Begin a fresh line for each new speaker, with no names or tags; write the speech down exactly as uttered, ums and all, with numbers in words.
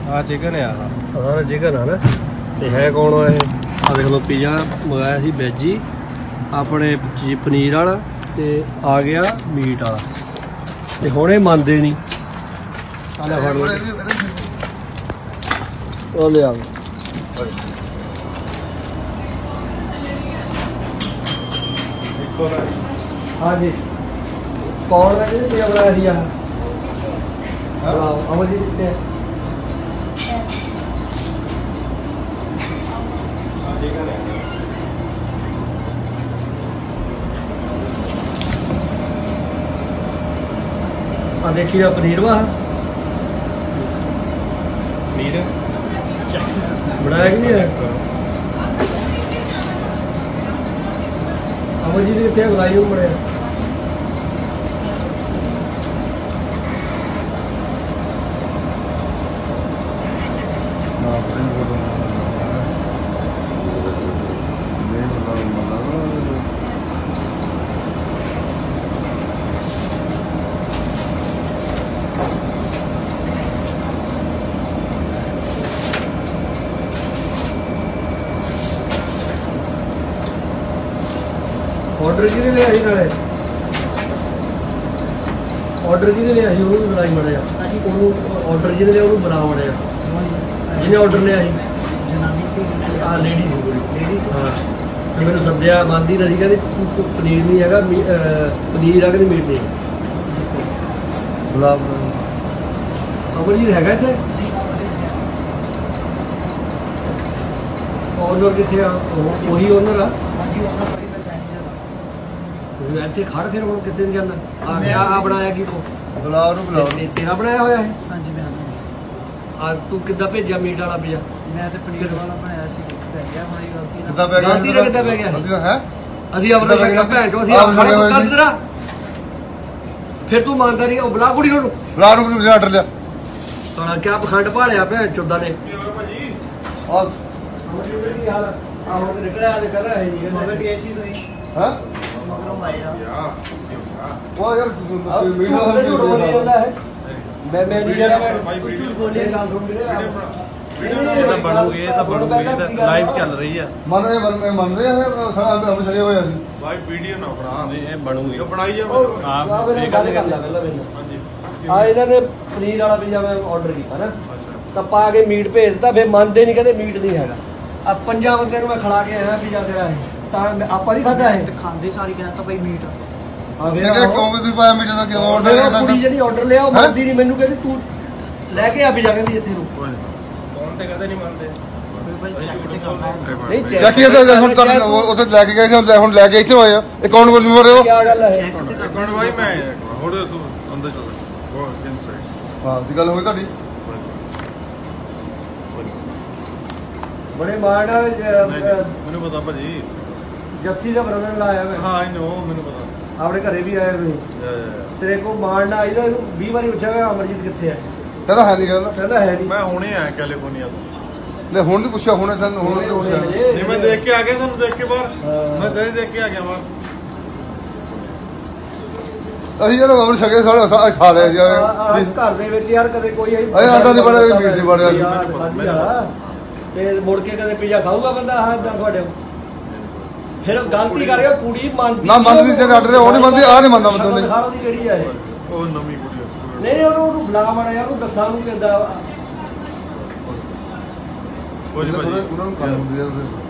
ਆ ਚਿਕਨ ਆ
ਸਾਰਾ ਚਿਕਨ ਆ ਨਾ ਤੇ ਹੈ ਕੌਣ ਆ ਇਹ ਆ ਦੇਖ ਲਓ ਪੀਜ਼ਾ ਮੰਗਾਇਆ ਸੀ ਵੈਜ ਹੀ ਆਪਣੇ ਪਨੀਰ ਵਾਲਾ ਤੇ ਆ ਗਿਆ ਮੀਟ ਵਾਲਾ ਤੇ ਹੁਣ ਇਹ ਮੰਨਦੇ ਨਹੀਂ ਆ ਲੈ ਫੜ ਉਹ ਲਿਆ हाँ जी कौन है जी ये बनाया दिया अमर जी कितने हैं हाँ देखिए पनीर वा
पनीर
बनाया कि नहीं है अमर जी कितने बनाई बड़े ऑर्डर कि ले आई नाले ऑर्डर कि ले आई ਉਹਨੂੰ ਬਣਾਈ ਮੜਿਆ ਉਹਨੂੰ ਆਰਡਰ ਜਿਹਨੇ ਲਿਆ ਉਹਨੂੰ ਬਣਾ ਮੜਿਆ ਜਿਹਨੇ ਆਰਡਰ ਲਿਆ ਸੀ ਜਨਾਨੀ ਸੀ ਆ ਲੇਡੀ ਸੀ ਕੋਈ ਲੇਡੀ ਸੀ ਹਾਂ ਤੇ ਮੈਨੂੰ ਸੱਦਿਆ ਮੰਨਦੀ ਨਹੀਂ ਕਹਿੰਦੀ ਪਨੀਰ ਨਹੀਂ ਹੈਗਾ ਪਨੀਰ ਆ ਕਹਿੰਦੀ ਮੀਟ ਨਹੀਂ ਬੁਲਾ ਅਮਰ ਜੀ ਹੈਗਾ ਇੱਥੇ ਆਰਡਰ ਕਿੱਥੇ ਆ ਉਹੀ ਓਨਰ ਆ ਇੱਥੇ ਖੜ ਫਿਰ ਹੁਣ ਕਿੱਥੇ ਨਹੀਂ ਜਾਂਦਾ ਆ ਗਿਆ ਆ ਬਣਾਇਆ ਕੀ ਤੂੰ
ਬੁਲਾਓ ਨੂੰ ਬੁਲਾਓ
ਤੇਰਾ ਬਣਾਇਆ ਹੋਇਆ ਹੈ
ਹਾਂਜੀ ਮੈਂ
ਆ ਤੂੰ ਕਿੱਦਾਂ ਭੇਜਿਆ ਮੀਟ ਵਾਲਾ ਪੀਜ਼ਾ
ਮੈਂ ਤੇ ਪਨੀਰ ਵਾਲਾ ਬਣਾਇਆ ਸੀ ਪੈ ਗਿਆ ਮਾਰੀ ਗਲਤੀ ਨਾਲ
ਕਿੱਦਾਂ ਪੈ ਗਿਆ
ਗਲਤੀ ਨਾਲ ਕਿੱਦਾਂ ਪੈ ਗਿਆ
ਹੈ
ਅਸੀਂ ਆਪਣਾ ਸ਼ਕਲ ਭੈਣ ਚੋ ਅਸੀਂ ਆਪਣਾ ਕਰ ਤੇਰਾ ਫਿਰ ਤੂੰ ਮੰਨਦਾ ਨਹੀਂ ਉਹ ਬੁਲਾ ਕੁੜੀ ਨੂੰ
ਬੁਲਾ ਨੂੰ ਤੁਸੀਂ ਆਰਡਰ ਲਿਆ
ਸਾਲਾ ਕਿਆ ਪਖੰਡ ਭਾਲਿਆ ਭੈਣ ਚੋਦਾ ਨੇ
ਭਾਜੀ
ਆ ਕੀ ਹਾਲ ਆ ਹੁਣ ਨਿਕਲਿਆ ਤੇ ਕਰ ਰਿਹਾ ਹੈ ਜੀ
ਮਗਰ ਪੀਐਸਸੀ ਤੋਂ ਹੀ
ਹਾਂ
ਮਗਰੋਂ ਆਇਆ
ਯਾ ਉਹ ਯਾਰ ਮੀਟ
ਮੈਂ ਮੈਂ ਨਹੀਂ ਯਾਰ ਮੈਂ
ਬੋਲੇ
ਗੱਲ ਸੁਣ ਵੀਰੇ
ਵੀਡੀਓ ਤਾਂ ਬਣੂਗੀ ਇਹ ਤਾਂ ਬਣੂਗੀ ਇਹ ਤਾਂ ਲਾਈਵ ਚੱਲ ਰਹੀ ਆ
ਮੰਨਦੇ ਮੰਨਦੇ ਮੰਨਦੇ ਆ ਸਾਡਾ ਹਮ ਸਗੇ ਹੋਇਆ ਸੀ
ਭਾਈ ਵੀਡੀਓ ਨਾ ਬਣਾ ਨਹੀਂ ਇਹ ਬਣੂਗੀ ਇਹ ਬਣਾਈ ਜਾ
ਆਪ ਇਹ ਗੱਲ ਕਰ ਲੈ ਪਹਿਲਾਂ ਮੈਨੂੰ
ਹਾਂਜੀ
ਆ ਇਹਨਾਂ ਨੇ ਪਨੀਰ ਵਾਲਾ ਪੀਜ਼ਾ ਮੈਂ ਆਰਡਰ ਕੀਤਾ ਨਾ ਤਾਂ ਪਾ ਕੇ ਮੀਟ ਭੇਜ ਦਿੱਤਾ ਫਿਰ ਮੰਨਦੇ ਨਹੀਂ ਕਹਿੰਦੇ ਮੀਟ ਨਹੀਂ ਹੈਗਾ ਆ ਪੰਜਾਂ ਬੰਦਿਆਂ ਨੂੰ ਮੈਂ ਖਿਲਾ ਕੇ ਆਇਆ ਪੀਜ਼ਾ ਤੇਰਾ ਇਹ ਤਾਂ ਆਪਾਂ ਨਹੀਂ ਖਾਧਾ ਇਹ
ਤੇ ਖਾਂਦੇ ਸਾਰੀ ਕਹਿੰਦਾ ਭਾਈ ਮੀਟ
ਆ
ਮੈਂ ਕਿਹਾ ਕਿਉਂ ਵੀ ਤੁਸੀਂ ਪਾਇਆ ਮੀਟਰ ਦਾ ਕਿਉਂ ਆਰਡਰ ਕਰਦਾ
ਕੁੜੀ ਜਿਹੜੀ ਆਰਡਰ ਲਿਆ ਉਹ ਮੰਨਦੀ ਨਹੀਂ ਮੈਨੂੰ ਕਹਿੰਦੀ ਤੂੰ ਲੈ ਕੇ ਆ ਪੀਜ਼ਾ ਕਹਿੰਦੀ ਇੱਥੇ ਨੂੰ
ਕੌਣ ਤੇ ਕਹਦੇ ਨਹੀਂ ਮੰਨਦੇ
ਭਾਈ ਚੈੱਕ ਤੇ ਕਰਨਾ
ਨਹੀਂ
ਚੱਕ ਇਹ ਤਾਂ ਹੁਣ ਕਰ ਉੱਥੇ ਲੈ ਕੇ ਗਏ ਸੀ ਹੁਣ ਲੈ ਕੇ ਇੱਥੇ ਹੋਏ ਆ ਇਹ ਕੌਣ ਬੋਲ ਰਹੇ ਹੋ
ਕੀ ਗੱਲ ਹੈ
ਅਕਾਊਂਟ ਭਾਈ ਮੈਂ ਹੋਰ ਅੰਦਰ ਚਲੋ ਉਹ ਇਨਸਾਈਡ
ਹਾਂ ਦੀ ਗੱਲ ਹੋਈ ਤੁਹਾਡੀ
ਬੜੇ ਮਾਣ
ਮੈਨੂੰ ਪਤਾ ਭਾਜੀ
ਜੱਸੀ ਦਾ ਬਰਦਰ ਲਾਇਆ ਮੈਂ
ਹਾਂ ਆਈ ਨੋ ਮੈਨੂੰ ਪਤਾ
ਆਪਣੇ ਘਰੇ ਵੀ ਆਏ ਹੋਏ ਤੇਰੇ ਕੋ ਮਾਣ ਨਾ ਆਈਦਾ ਇਹਨੂੰ ਵੀਹ ਵਾਰੀ ਪੁੱਛਿਆ ਗਿਆ ਅਮਰਜੀਤ ਕਿੱਥੇ ਹੈ
ਕਹਿੰਦਾ ਹੈ ਨਹੀਂ ਗੱਲ
ਕਹਿੰਦਾ ਹੈ ਨਹੀਂ
ਮੈਂ ਹੁਣੇ ਆਇਆ ਕੈਲੀਫੋਰਨੀਆ ਤੋਂ
ਲੈ ਹੁਣ ਨਹੀਂ ਪੁੱਛਿਆ ਹੁਣ ਤੁਹਾਨੂੰ ਹੁਣ ਨਹੀਂ ਪੁੱਛਿਆ
ਨਹੀਂ ਮੈਂ ਦੇਖ ਕੇ ਆ ਗਿਆ ਤੁਹਾਨੂੰ ਦੇਖ ਕੇ ਬਾਹਰ ਮੈਂ ਦੇ ਦੇਖ ਕੇ ਆ ਗਿਆ ਬਾਹਰ
ਅਸੀਂ ਯਾਰ ਅਮਰ ਸਗੇ ਸਾਡਾ ਖਾ ਲਿਆ ਜੀ
ਘਰ ਦੇ ਵਿੱਚ ਯਾਰ ਕਦੇ ਕੋਈ
ਅਏ ਆਟਾ ਨਹੀਂ ਬੜਿਆ ਮੀਟ ਨਹੀਂ ਬੜਿਆ
ਤੇ ਮੁੜ ਕੇ ਕਦੇ ਪੀਜ਼ਾ ਖਾਊਗਾ ਬੰਦਾ ਹਾਂ ਇਦਾਂ ਤੁਹਾਡੇ ਫਿਰ ਗਲਤੀ ਕਰ ਰਿਹਾ ਕੁੜੀ ਮੰਨਦੀ
ਨਾ ਮੰਨਦੀ ਜੇ ਆਰਡਰ ਉਹ ਨਹੀਂ ਮੰਨਦੀ ਆ ਨਹੀਂ ਮੰਨਦਾ ਬੰਦਾ ਨਹੀਂ
ਖਾਣ ਦੀ ਕਿਹੜੀ ਆ ਇਹ
ਉਹ ਨਵੀਂ ਕੁੜੀ
ਨਹੀਂ ਉਹਨੂੰ ਉਹਨੂੰ ਬੁਲਾ ਮਾੜਾ ਯਾਰ ਉਹਨੂੰ ਦੱਸਾਂ ਨੂੰ ਕਿੱਦਾਂ
ਕੋਈ ਨਹੀਂ ਭਾਜੀ
ਉਹਨਾਂ ਨੂੰ ਕੰਮ ਹੁੰਦੀ ਹੈ